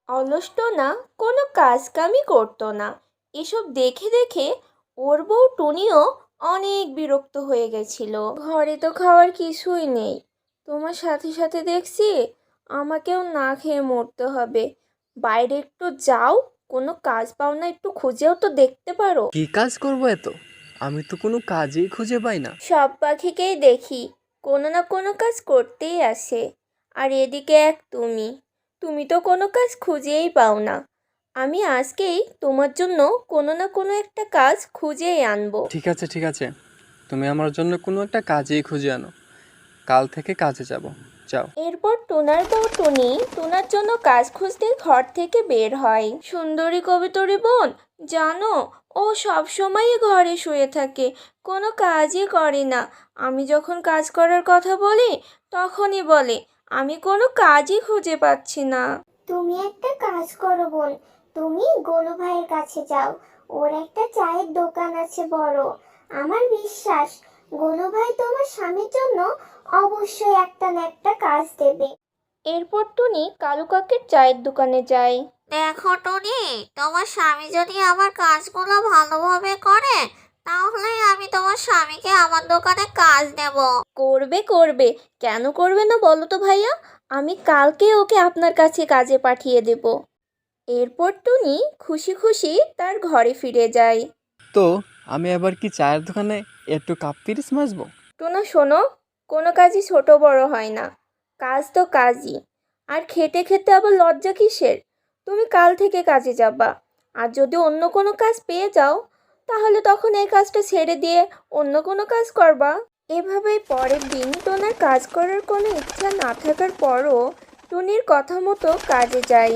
অলসটো না, কোনো কাজ কামই করতো না। এসব দেখে দেখে ওর বউ টুনিও অনেক বিরক্ত হয়ে গেছিল। ঘরে তো খাওয়ার কিছুই নেই, তোমার সাথে সাথে দেখছি আমাকেও না খেয়ে মরতে হবে। বাইরে একটু যাও, কোনো কাজ পাও না, একটু খুঁজেও তো দেখতে পারো। কি কাজ করবো এত? আমি তো কোনো কাজই খুঁজে পাই না। সব পাখিকেই দেখি কোনো না কোনো কাজ করতেই আসে, আর এদিকে এক তুমি, তুমি তো কোনো কাজ খুঁজেই পাও না। আমি আজকেই তোমার জন্য কোনো না কোনো একটা কাজ খুঁজেই আনবো। ঠিক আছে ঠিক আছে, তুমি আমার জন্য কোনো একটা কাজই খুঁজে আনো, কাল থেকে কাজে যাব। যাও। এরপর টোনার বউ টুনি টোনার জন্য কাজ খুঁজতে ঘর থেকে বের হয়। সুন্দরী কবিতরি বোন, জানো ও সব সময়ই ঘরে শুয়ে থাকে, কোনো কাজই করে না। আমি যখন কাজ করার কথা বলি তখনই বলে আমি কোনো কাজই খুঁজে পাচ্ছি না। তুমি একটা কাজ করো বোন, তুমি গোলু ভাইয়ের কাছে যাও। ওর একটা চায়ের দোকান আছে বড়। আমার বিশ্বাস গোলু ভাই তোমার স্বামীর জন্য অবশ্যই একটা না একটা কাজ দেবে। এরপর টুনি কালু কাকের চায়ের দোকানে যায়। দেখো টনি, তোমার স্বামী যদি আমার কাজগুলো ভালোভাবে করে তাহলে আমি তোমার স্বামীকে আমার দোকানে কাজ দেব। করবে করবে, কেন করবে না বলো তো ভাইয়া, আমি কালকে ওকে আপনার কাছে কাজে পাঠিয়ে দেব। এরপর টুনি খুশি খুশি তার ঘরে ফিরে যায়। তো আমি আবার কি চায়ের দোকানে একটু কাপ পিরিচ মাজবো? টোনা শোনো, কোনো কাজই ছোট বড় হয় না, কাজ তো কাজই। আর খেতে খেতে আবার লজ্জা কিসের? তুমি কাল থেকে কাজে যাবা, আর যদি অন্য কোনো কাজ পেয়ে যাও তাহলে তখন এই কাজটা ছেড়ে দিয়ে অন্য কোনো কাজ করবা। এভাবেই পরের দিন টোনার কাজ করার কোনো ইচ্ছা না থাকার পরও টুনির কথা মতো কাজে যায়।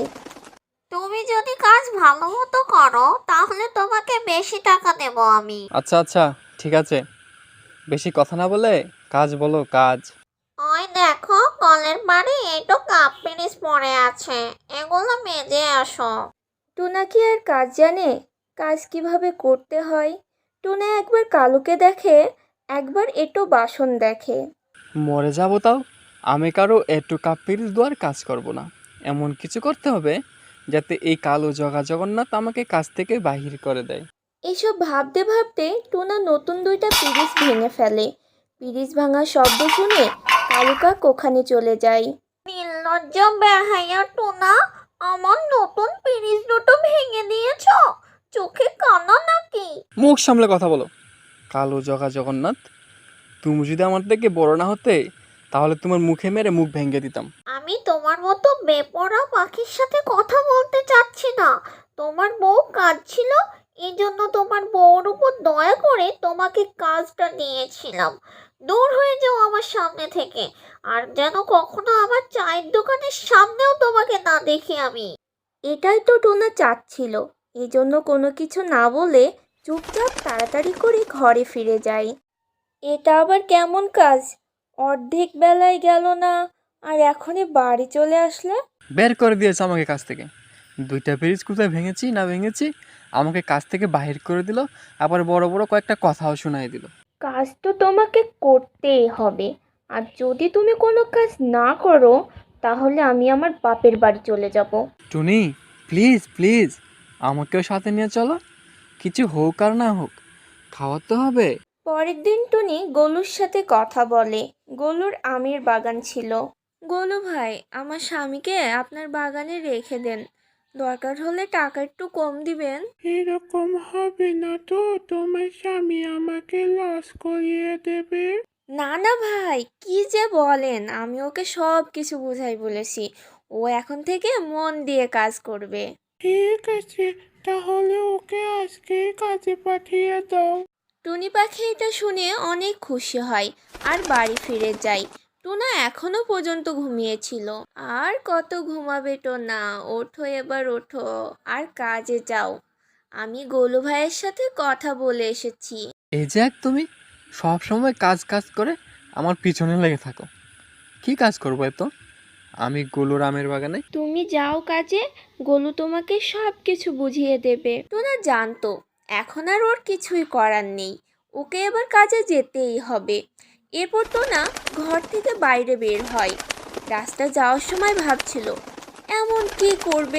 তুমি যদি কাজ ভালো মতো করো তাহলে তোমাকে বেশি টাকা দেব আমি। আচ্ছা আচ্ছা, ঠিক আছে, বেশি কথা না বলে কাজ বলো, কাজ। ওই দেখো কলের পাড়ে একটু কাপ পিরিচ পড়ে আছে, এগুলো মেজে আসো। টুনা কি আর কাজ জানে, কাজ কিভাবে করতে হয়? টুনা একবার কালুকে দেখে, একবার এটো বাসন দেখে। মরে যাবো তাও আমি কারো একটু কাপ পিরিচ দেওয়ার কাজ করব না। এমন কিছু করতে হবে যাতে এই কালো জগা জগন্নাথ আমাকে কাজ থেকে বাহির করে দেয়। এসব ভাবতে ভাবতে টুনা নতুন দুইটা পিরিচ ভেঙে ফেলে। পিরিচ ভাঙার শব্দ শুনে কালু কাক ওখানে চলে যায়। নির্লজ্জ বেহাইয়া টোনা, আমার নতুন পিরিচ দুটো ভেঙে দিয়েছ, চোখে কানা নাকি? মুখ সামলে কথা বলো, কালো জগা জগন্নাথ। তুমি যদি আমার থেকে বড় না হতে তাহলে তোমার মুখে মেরে মুখ ভেঙে দিতাম। আমি তোমার মতো বেপরা পাখির সাথে কথা বলতে চাচ্ছি না। তোমার বউ কাঁদছিল, এই জন্য তোমার বউর উপর দয়া করে তোমাকে কাজটা দিয়েছিলাম। দূর হয়ে যাও আমার সামনে থেকে, আর যেন কখনো আমার চায়ের দোকানের সামনেও তোমাকে না দেখি আমি। এটাই তো টোনা চাচ্ছিল, এই জন্য কোনো কিছু না বলে চুপচাপ তাড়াতাড়ি করে ঘরে ফিরে যায়। এটা আবার কেমন কাজ? অর্ধেক বেলায় গেল না, আর এখনই বাড়ি চলে আসলে? বের করে দিয়েছে আমাকে কাজ থেকে। দুইটা পিরিচ কোথায় ভেঙেছি না ভেঙেছি আমাকে কাজ থেকে বাহির করে দিল, আবার বড় বড় কয়েকটা কথাও শোনাই দিল। কাজ তো তোমাকে করতেই হবে, আর যদি তুমি কোনো কাজ না করো তাহলে আমি আমার বাপের বাড়ি চলে যাব। টুনি, প্লিজ প্লিজ আমাকেও সাথে নিয়ে চলো, কিছু হোক আর না হোক খাওয়ার তো হবে। পরের দিন টুনি গোলুর সাথে কথা বলে। গোলুর আমের বাগান ছিল। গোলু ভাই, আমার স্বামীকে আপনার বাগানে রেখে দেন, দরকার হলে টাকা একটু কম দিবেন। এরকম হবে না তো, তোমার স্বামী আমাকে লস করিয়ে দেবে। না না ভাই, কি যে বলেন, আমি ওকে সব কিছু বুঝাই বলেছি, ও এখন থেকে মন দিয়ে কাজ করবে। ঠিক আছে, তাহলে ওকে আজকে কাজে পাঠিয়ে দাও। টুনি পাখি এটা শুনে অনেক খুশি হয় আর বাড়ি ফিরে যায়। টোনা এখনো পর্যন্ত ঘুমিয়েছিল। আর কত ঘুমাবে টোনা, ওঠো এবার ওঠো, আর কাজে যাও। আমি গোলু ভাইয়ের সাথে কথা বলে এসেছি। এই যে এক তুমি সব সময় কাজ কাজ করে আমার পিছনে লেগে থাকো। কি কাজ করবো এত? আমি গোলুর আমের বাগানে। তুমি যাও কাজে, গোলু তোমাকে সব কিছু বুঝিয়ে দেবে। টোনা জানতো এখন আর ওর কিছুই করার নেই, ওকে এবার কাজে যেতেই হবে। এরপর টোনা ঘর থেকে বাইরে বের হয়। রাস্তা যাওয়ার সময় ভাবছিল এমন কি করবে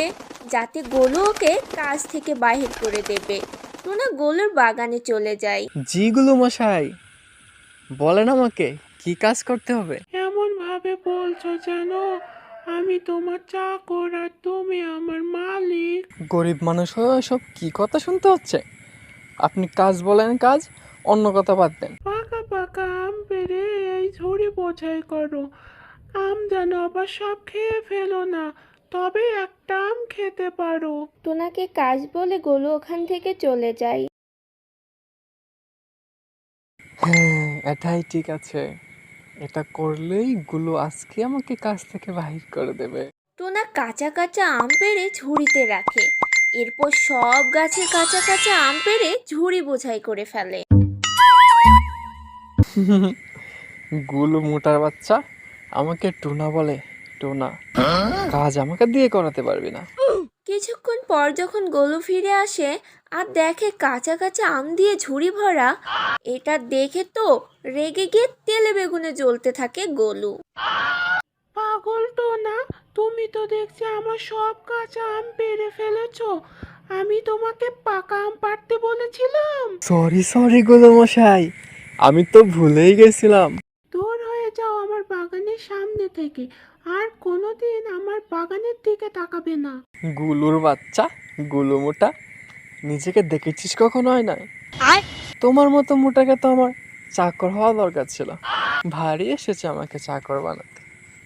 যাতে গোলু ওকে কাজ থেকে বাহির করে দেবে। টুনা গোলুর বাগানে চলে যায়। জিগুলো মশাই, বলেন আমাকে কি কাজ করতে হবে? এমন ভাবে বলছো যেন আমি তোমার চাকর আর তুমি আমার মালিক। গরিব মানুষ হয়ে সব কি কথা শুনতে হচ্ছে? আপনি কাজ বলেন কাজ, অন্য কথা বাদ দেন। পাকা পাকা আম পেড়ে এই ঝুড়ি বোঝাই করো। আম যেন আবার সব খেয়ে ফেলো না, তবে একটা আম খেতে পারো। টুনাকে কাজ বলে গোলু ওখান থেকে চলে যায়। হ্যাঁ, এটাই ঠিক আছে। এটা করলেই গুলো আজকে আমাকে কাজ থেকে বাহির করে দেবে। টুনা কাঁচা কাঁচা আম পেড়ে ঝুড়িতে রাখে। এরপর সব গাছের কাঁচা কাঁচা আম পেড়ে ঝুড়ি বোঝাই করে ফেলে। গুলো মোটার বাচ্চা আমাকে টুনা বলে। টুনা, কাজ আমাকে দিয়ে করাতে পারবি না। কিছুক্ষণ পর যখন গোলু ফিরে আসে আর দেখে কাঁচা কাঁচা আম দিয়ে ঝুড়ি ভরা, এটা দেখে তো রেগে গিয়ে তেলে বেগুনে জ্বলতে থাকে গোলু। পাগল তো না, তুমি তো দেখছি আমার সব কাঁচা আম পেড়ে ফেলেছো। আমি তোমাকে পাকা আম পাড়তে বলেছিলাম। সরি সরি গুলো মশাই, আমি তো ভুলেই গেছিলাম। দূর হয়ে যাও আমার বাগানের সামনে থেকে, আর কোনোদিন আমার বাগানের দিকে তাকাবে না। গুলুর বাচ্চা, গুলু মোটা, নিজেকে দেখেছিস কখনো হয় না? তোমার মতো মোটাকে তো আমার চাকর হওয়া দরকার ছিল। ভারী এসেছে আমাকে চাকর বানাতে।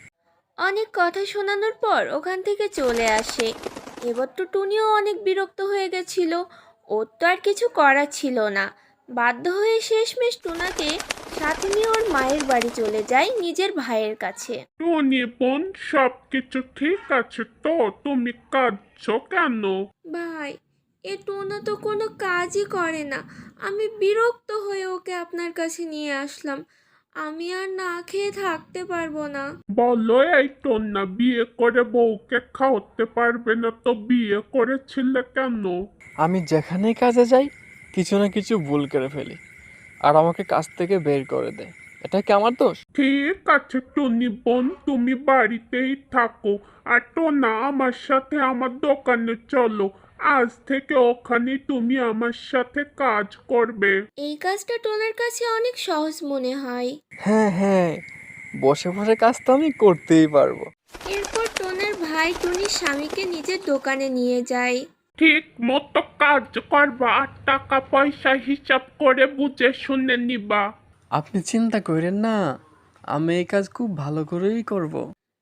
অনেক কথা শোনানোর পর ওখান থেকে চলে আসে। এবার তো টুনিও অনেক বিরক্ত হয়ে গেছিল। ওর তো আর কিছু করার ছিল না। বাধ্য হয়ে শেষমেশ টুনাকে সাথে নিয়ে ওর মায়ের বাড়ি চলে যায় নিজের ভাইয়ের কাছে। টনি বোন, সব কিছু ঠিক আছে তো? তুমি কাঁদছো কেন? ভাই, এ টোনা তো কোনো কাজই করে না। আমি বিরক্ত হয়ে ওকে আপনার কাছে নিয়ে আসলাম। আমি আর না খেয়ে থাকতে পারবো না। বলো, এই টন্না বিয়ে করে বউকে খাওয়াতে পারবে না তো বিয়ে করেছিলে কেন? আমি যেখানেই কাজে যাই কিছু না কিছু ভুল করে ফেলি, আর আমাকে কাজ থেকে বের করে দেয়। এটা কি আমার দোষ? ঠিক আছে টনি বোন, তুমি বাড়িতেই থাকো, আর টোনা আমার সাথে আমার দোকানে চলো। আজ থেকে ওখানে তুমি আমার সাথে কাজ করবে। এই কাজটা টোনার কাছে অনেক সহজ মনে হয়। হ্যাঁ হ্যাঁ, বসে বসে কাজ তো আমি করতেই পারবো। এরপর টোনার ভাই টুনির স্বামীকে নিজের দোকানে নিয়ে যায়। ঠিক মতো কাজ করবা, আর টাকা পয়সা হিসাব করে বুঝে শুনে নিবা। আপনি চিন্তা করেন না, আমি এই কাজ খুব ভালো করেই করব।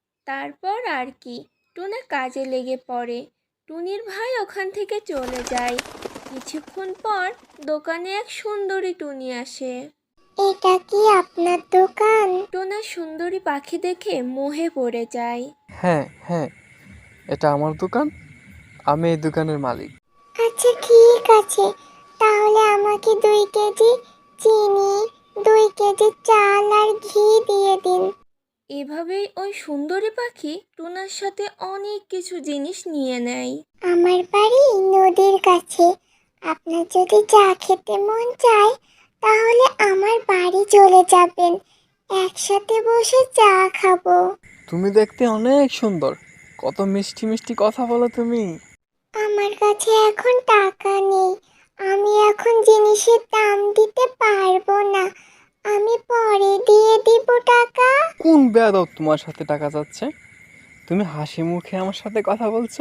তারপর আর কি, টোনা কাজে লেগে পড়ে। টুনির ভাই ওখান থেকে চলে যায়। কিছুক্ষণ পর দোকানে এক সুন্দরী টুনি আসে। এটা কি আপনার দোকান? টোনা সুন্দরী পাখি দেখে মোহে পড়ে যায়। হ্যাঁ হ্যাঁ, এটা আমার দোকান, আমি এই দোকানের মালিক। আচ্ছা ঠিক আছে, তাহলে আমাকে 2 কেজি চিনি, 2 কেজি চাল আর ঘি দিয়ে দিন। এভাবেই ওই সুন্দরী পাখি টোনার সাথে অনেক কিছু জিনিস নিয়ে নেয়। আমার বাড়ি নদীর কাছে, আপনার যদি চা খেতে মন চায় তাহলে আমার বাড়ি চলে যাবেন, একসাথে বসে চা খাবো। তুমি দেখতে অনেক সুন্দর, কত মিষ্টি মিষ্টি কথা বলো তুমি। আমার কাছে এখন টাকা নেই, আমি এখন জিনিসের দাম দিতে পারবো না, আমি পরে দিয়ে দিব টাকা। কোন বেয়াদব তোমার সাথে টাকা চাচ্ছে? তুমি হাসি মুখে আমার সাথে কথা বলছো,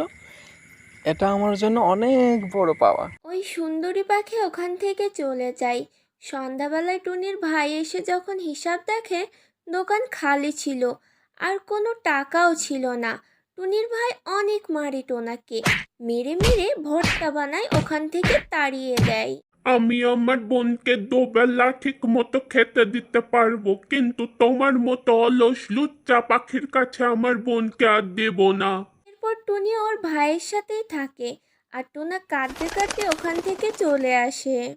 এটা আমার জন্য অনেক বড় পাওয়া। ওই সুন্দরী পাখি ওখান থেকে চলে যায়। সন্ধ্যাবেলায় টুনির ভাই এসে যখন হিসাব দেখে, দোকান খালি ছিল আর কোনো টাকাও ছিল না। টুনির ভাই অনেক মারে টোনাকে, মেরে মেরে ভর্তা বানায় ওখান থেকে তাড়িয়ে দেয়। আমি আমার বোনকে দুবেলা ঠিক মতো খেতে দিতে পারবো, কিন্তু তোমার মতো অলস লুচ্চা পাখির কাছে আমার বোনকে আর দেব না। এরপর টুনি ওর ভাইয়ের সাথেই থাকে আর টোনা কাঁদতে কাঁদতে ওখান থেকে চলে আসে।